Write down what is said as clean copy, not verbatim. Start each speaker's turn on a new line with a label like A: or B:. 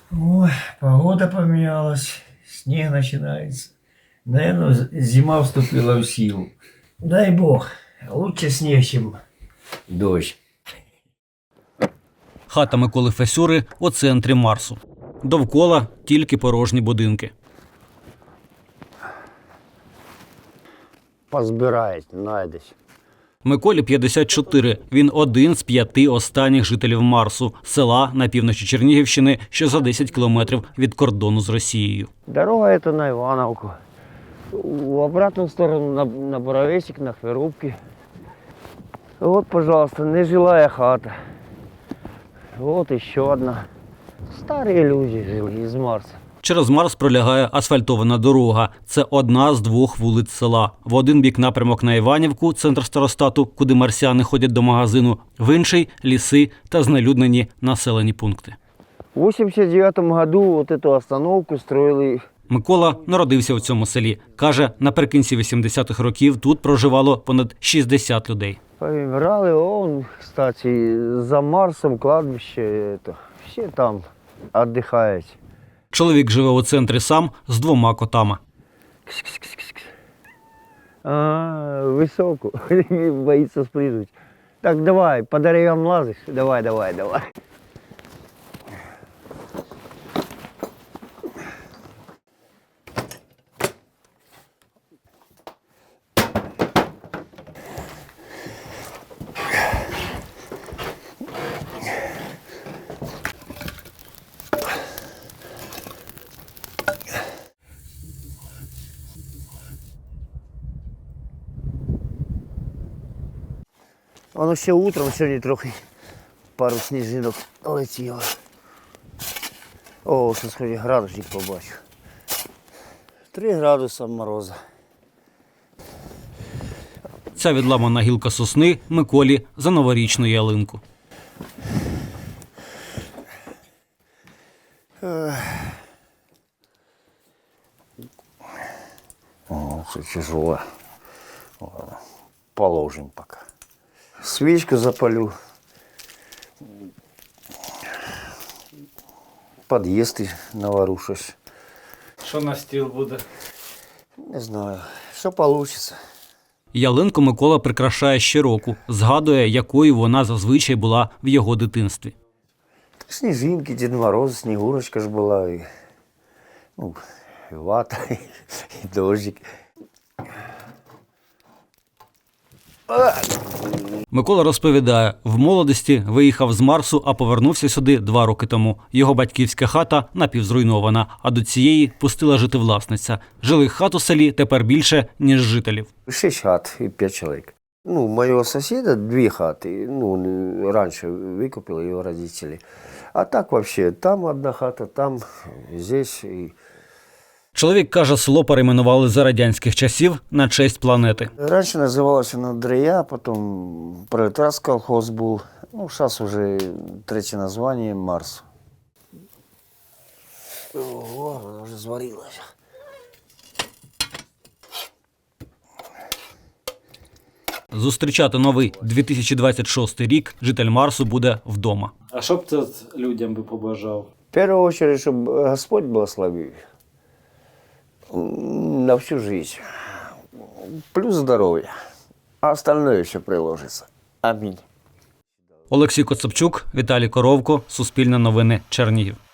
A: Ой, погода поменялась, снег начинается. Наверное, зима вступила в силу. Дай бог, лучше снег, чем дождь.
B: Хата Миколи Фесюри у центрі Марсу. Довкола тільки порожні будинки.
C: Позбирають, знайдеш.
B: Миколі 54. Він один з 5 останніх жителів Марсу, села на півночі Чернігівщини, що за 10 кілометрів від кордону з Росією.
C: Дорога это на Ивановку. В обратную сторону на Боровесик, на Хверубки. Вот, пожалуйста, нежилая хата. Вот еще одна. Старые люди жили из Марса.
B: Через Марс пролягає асфальтована дорога. Це одна з 2 вулиць села. В один бік напрямок на Іванівку, центр старостату, куди марсіани ходять до магазину. В інший – ліси та знелюднені населені пункти.
C: В 89 году вот эту остановку строили.
B: Микола народився у цьому селі. Каже, наприкінці 80-х років тут проживало понад 60 людей.
C: Повымирали, он, кстати, за Марсом кладбище, это, все там отдыхают.
B: Чоловік живе у центрі сам з 2 котами.
C: Высоко, боится спрыгнуть. Так, давай, по деревьям лазишь? Давай, давай, давай. Воно ще утром сьогодні трохи пару сніжинок летіло. О, що сьогодні градусник побачу. 3 градуса мороза.
B: Ця відламана гілка сосни Миколі за новорічну ялинку.
C: О, це тяжело. Ладно, положим пока. Свічку запалю. Під'їзд навару щось.
B: Що на стіл буде?
C: Не знаю, що вийде.
B: Ялинку Микола прикрашає щороку. Згадує, якою вона зазвичай була в його дитинстві.
C: Сніжинки, Дід Мороз, Снігурочка ж була, і, і вата, і дощик.
B: Микола розповідає, в молодості виїхав з Марсу, а повернувся сюди 2 роки тому. Його батьківська хата напівзруйнована, а до цієї пустила жити власниця. Жилих хат у селі тепер більше, ніж жителів.
C: 6 хат і 5 чоловік. Моего соседа 2 хаты. Раньше выкупили его родители. А так вообще, там одна хата, там, здесь.
B: Чоловік каже, село перейменували за радянських часів на честь планети.
C: Раньше называлось оно Дрия, потом пролетарский колхоз был. Сейчас уже 3 название Марс. О, она уже сварилась.
B: Зустрічати новий 2026 рік житель Марсу буде вдома.
D: А що б ти людям би побажав?
C: В первую очередь, чтобы Господь благословил на всю жизнь. Плюс здоровье. А остальное еще приложится. Аминь.
B: Олексій Коцапчук, Віталій Коровко, Суспільне новини, Чернігів.